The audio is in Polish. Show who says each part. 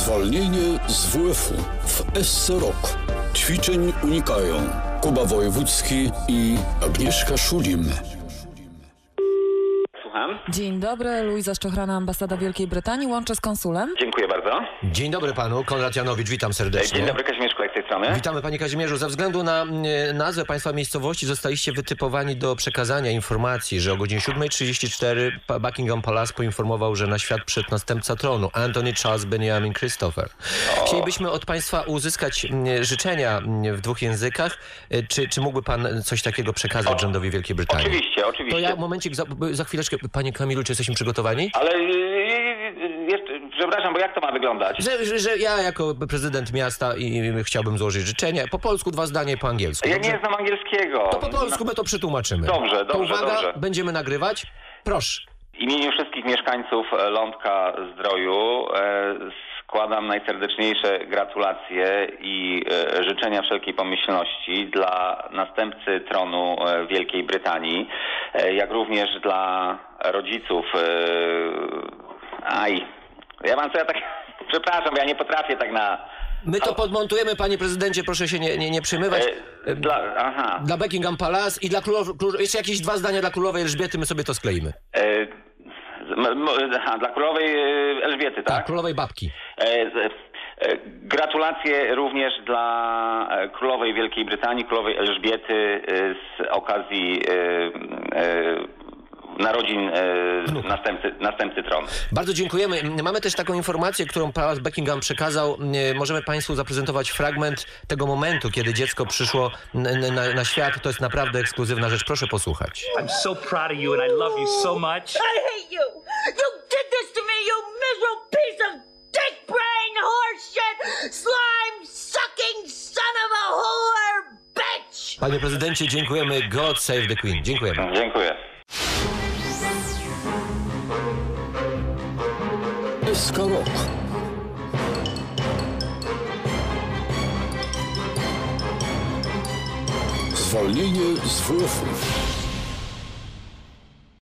Speaker 1: Zwolnienie z WF-u w SC Rok. Ćwiczeń unikają Kuba Wojewódzki i Agnieszka Szulim.
Speaker 2: Słucham.
Speaker 3: Dzień dobry, Luiza Szczochrana, ambasada Wielkiej Brytanii. Łączę z konsulem.
Speaker 2: Dziękuję bardzo.
Speaker 4: Dzień dobry panu, Konrad Janowicz, witam serdecznie.
Speaker 2: Dzień dobry, Kazimierzku, jak z tej strony?
Speaker 4: Witamy panie Kazimierzu. Ze względu na nazwę państwa miejscowości zostaliście wytypowani do przekazania informacji, że o godzinie 7:34 Buckingham Palace poinformował, że na świat przyszedł następca tronu, Anthony Charles Benjamin Christopher. Chcielibyśmy od państwa uzyskać życzenia w 2 językach. Czy mógłby pan coś takiego przekazać rządowi Wielkiej Brytanii?
Speaker 2: Oczywiście.
Speaker 4: To ja momencik, za chwileczkę. Panie Kamilu, czy jesteśmy przygotowani?
Speaker 2: Ale przepraszam, bo jak to ma wyglądać?
Speaker 4: Że ja jako prezydent miasta i chciałbym złożyć życzenia. Po polsku 2 zdania i po angielsku.
Speaker 2: Ja
Speaker 4: Dobrze?
Speaker 2: nie znam angielskiego.
Speaker 4: To po polsku my to przetłumaczymy.
Speaker 2: Dobrze,
Speaker 4: To uwaga,
Speaker 2: dobrze.
Speaker 4: będziemy nagrywać. Proszę.
Speaker 2: W imieniu wszystkich mieszkańców Lądka Zdroju składam najserdeczniejsze gratulacje i życzenia wszelkiej pomyślności dla następcy tronu Wielkiej Brytanii, jak również dla rodziców. Ja mam co ja tak... Przepraszam, ja nie potrafię tak na...
Speaker 4: My to podmontujemy, panie prezydencie, proszę się nie przejmować. Dla Buckingham Palace i dla jeszcze jakieś 2 zdania dla królowej Elżbiety, my sobie to skleimy.
Speaker 2: Dla królowej Elżbiety, tak?
Speaker 4: Tak, królowej babki.
Speaker 2: Gratulacje również dla królowej Wielkiej Brytanii, królowej Elżbiety z okazji narodzin następcy tronu.
Speaker 4: Bardzo dziękujemy. Mamy też taką informację, którą Palace Buckingham przekazał. Możemy państwu zaprezentować fragment tego momentu, kiedy dziecko przyszło na świat. To jest naprawdę ekskluzywna rzecz. Proszę posłuchać.
Speaker 5: I'm so proud of you and I love you so much.
Speaker 6: I hate you! You did this to me, you miserable piece of dick brain horseshit, slime sucking son of a whore bitch!
Speaker 4: Panie prezydencie, dziękujemy. God save the Queen. Dziękujemy.
Speaker 2: Dziękuję.
Speaker 1: SK Rok. Zwolnienie z WF-u.